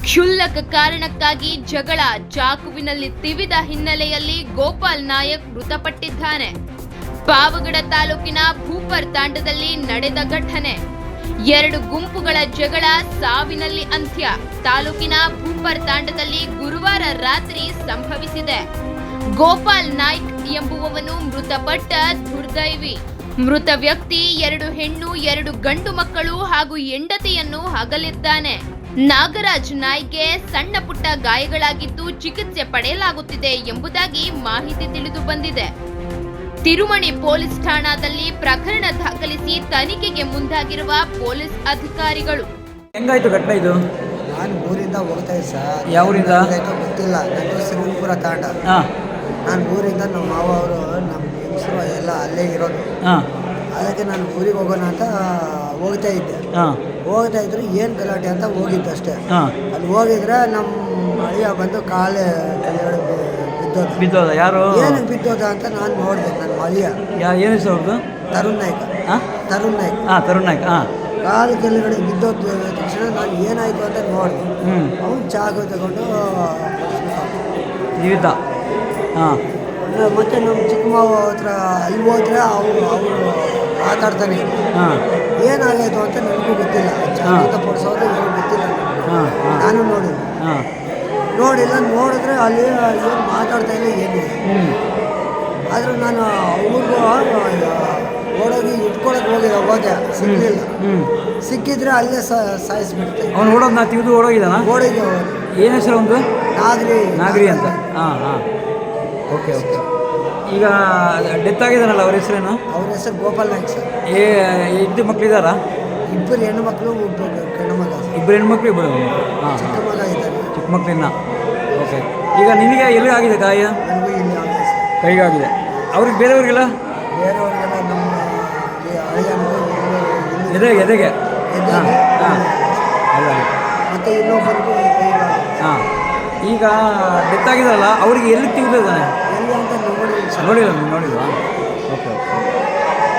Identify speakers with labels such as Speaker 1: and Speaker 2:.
Speaker 1: ಕ್ಷುಲ್ಲಕ ಕಾರಣಕ್ಕಾಗಿ ಜಗಳ ಚಾಕುವಿನಲ್ಲಿ ತಿವಿದ ಹಿನ್ನೆಲೆಯಲ್ಲಿ ಗೋಪಾಲ್ ನಾಯಕ್ ಮೃತಪಟ್ಟಿದ್ದಾನೆ. ಪಾವಗಡ ತಾಲೂಕಿನ ಭೂಪರ್ ತಾಂಡದಲ್ಲಿ ನಡೆದ ಘಟನೆ. ಎರಡು ಗುಂಪುಗಳ ಜಗಳ ಸಾವಿನಲ್ಲಿ ಅಂತ್ಯ. ತಾಲೂಕಿನ ಭೂಪರ್ ತಾಂಡದಲ್ಲಿ ಗುರುವಾರ ರಾತ್ರಿ ಸಂಭವಿಸಿದೆ. ಗೋಪಾಲ್ ನಾಯ್ಕ್ ಎಂಬುವವನು ಮೃತಪಟ್ಟ ದುರ್ದೈವಿ. ಮೃತ ವ್ಯಕ್ತಿ 2 ಹೆಣ್ಣು 2 ಗಂಡು ಮಕ್ಕಳು ಹಾಗೂ ಹೆಂಡತಿಯನ್ನು ಅಗಲಿದ್ದಾನೆ. ನಾಗರಾಜ್ ನಾಯ್ಕ್ಗೆ ಸಣ್ಣ ಪುಟ್ಟ ಗಾಯಗಳಾಗಿದ್ದು ಚಿಕಿತ್ಸೆ ಪಡೆಯಲಾಗುತ್ತಿದೆ ಎಂಬುದಾಗಿ ಮಾಹಿತಿ ತಿಳಿದು ಬಂದಿದೆ. ತಿರುಮಣಿ ಪೊಲೀಸ್ ಠಾಣಾದಲ್ಲಿ ಪ್ರಕರಣ ದಾಖಲಿಸಿ ತನಿಖೆಗೆ ಮುಂದಾಗಿರುವ ಪೊಲೀಸ್ ಅಧಿಕಾರಿಗಳು.
Speaker 2: ಹೆಂಗಾಯ್ತು ಘಟನೆ ಇದು?
Speaker 3: ನಾನು ಊರಿಂದ ಹೋಗ್ತಾ ಇದ್ದೆ ಸರ್.
Speaker 2: ಯಾವ ಊರಿಂದ?
Speaker 3: ಗೊತ್ತಿಲ್ಲ. ನಾನು ಶ್ರೀಪುರ ತಾಂಡ. ನಾನು ಊರಿಂದ ನಮ್ಮ ಮಾವ ಅವರು ನಮ್ಮ ಹೆಂಗಸರು ಎಲ್ಲ ಅಲ್ಲೇ ಇರೋದು. ಅದಕ್ಕೆ ನಾನು ಊರಿಗೆ ಹೋಗೋಣ ಅಂತ ಹೋಗ್ತಾ ಇದ್ದೆ. ಹೋಗ್ತಾ ಇದ್ರು ಏನು ಗಲಾಟೆ ಅಂತ ಹೋಗಿದ್ದೆ ಅಷ್ಟೇ. ಅಲ್ಲಿ ಹೋಗಿದ್ರೆ ನಮ್ಮ ಅಳಿಯ ಬಂದು ಕಾಲೇ ಕೆಳಗಡೆ
Speaker 2: ಬಿದ್ದೋದ. ಯಾರು?
Speaker 3: ಏನಕ್ಕೆ ಬಿದ್ದೋದ ಅಂತ ನಾನು ನೋಡಿದೆ. ನನ್ನ ಅಳಿಯ
Speaker 2: ಏನು ಹೆಸರು ಅವ್ರದ್ದು?
Speaker 3: ತರುಣ್ ನಾಯ್ಕ. ತರುಣ್ ನಾಯ್ಕ.
Speaker 2: ತರುಣ್ ನಾಯ್ಕ.
Speaker 3: ಕಾಲು ಕೆಳಗಡೆ ಬಿದ್ದೋದ ತಕ್ಷಣ ನಾನು ಏನಾಯಿತು ಅಂತ ನೋಡಿದೆ. ಅವನು ಚಾಕು ತಗೊಂಡು
Speaker 2: ಜೀವಿತ.
Speaker 3: ಮತ್ತು ನಮ್ಮ ಚಿಕ್ಕ ಮಾವ ಹತ್ರ ಅಲ್ಲಿ ಹೋದ್ರೆ ಅವರು ಮಾತಾಡ್ತಾನೆ. ಏನಾಗಾಯಿತು ಅಂತ ನನಗೂ ಗೊತ್ತಿಲ್ಲ. ಚಾಕು ಪಡಿಸೋದು ಏನು ಗೊತ್ತಿಲ್ಲ. ನಾನು ನೋಡಿಲ್ಲ. ನೋಡಿದ್ರೆ ಅಲ್ಲಿ ಏನು ಮಾತಾಡ್ತಾ ಇಲ್ಲ ಏನು. ಆದರೂ ನಾನು ಅವ್ರಿಗೂ ಓಡೋಗಿ ಇಟ್ಕೊಳಕ್ಕೆ ಹೋದೆ. ಸಿಗಲಿಲ್ಲ. ಸಿಕ್ಕಿದ್ರೆ ಅಲ್ಲೇ ಸಾಯಿಸ್ಬಿಡ್ತೆ.
Speaker 2: ಅವ್ನು ಓಡೋದು ನಾ ತೆಗೆದು ಓಡೋಗಿದ್ದಾನ?
Speaker 3: ಓಡಿಗೆ
Speaker 2: ಏನು ಹೆಸರು ಒಂದು? ನಾಗರಿ ಅಂತ. ಓಕೆ. ಈಗ ಡೆತ್ ಆಗಿದಾನಲ್ಲ, ಅವ್ರ ಹೆಸರೇನು?
Speaker 3: ಅವ್ರ ಹೆಸರು ಗೋಪಾಲ್ ನಾಯ್ಕ್ ಸರ್.
Speaker 2: ಇಬ್ಬರು ಮಕ್ಕಳಿದ್ದಾರಾ?
Speaker 3: 2 ಹೆಣ್ಣು ಮಕ್ಕಳು, 1 ಗಂಡು ಮಗ.
Speaker 2: 2 ಹೆಣ್ಮಕ್ಳು, 1
Speaker 3: ಚಿಕ್ಕ ಮಗ ಇದ್ದಾರೆ.
Speaker 2: ಚಿಕ್ಕ ಮಕ್ಕಳಿನ್ನ. ಓಕೆ. ಈಗ ನಿನಗೆ ಎಲ್ಲಿಗೆ ಆಗಿದೆ ಗಾಯ?
Speaker 3: ನನಗೂ ಇಲ್ಲಿ ಆಗಿದೆ ಸರ್.
Speaker 2: ಕೈಗಾಗಿದೆ. ಅವ್ರಿಗೆ ಬೇರೆಯವ್ರಿಗೆಲ್ಲ?
Speaker 3: ಬೇರೆಯವ್ರಿಗೆಲ್ಲ ನಮ್ಮ
Speaker 2: ಎದೆಗೆ. ಅಲ್ಲ.
Speaker 3: ಮತ್ತು ಇನ್ನೊಬ್ಬರಿಗೂ
Speaker 2: ಈಗ ಡೆತ್ ಆಗಿದಾರಲ್ಲ, ಅವ್ರಿಗೆ ಎಲ್ಲಿ ತೆಗೆದಿದ್ದಾನೆ?
Speaker 3: ಎಲ್ಲಿ ಅಂತ
Speaker 2: ನೋಡಿಲ್ಲ. ಓಕೆ.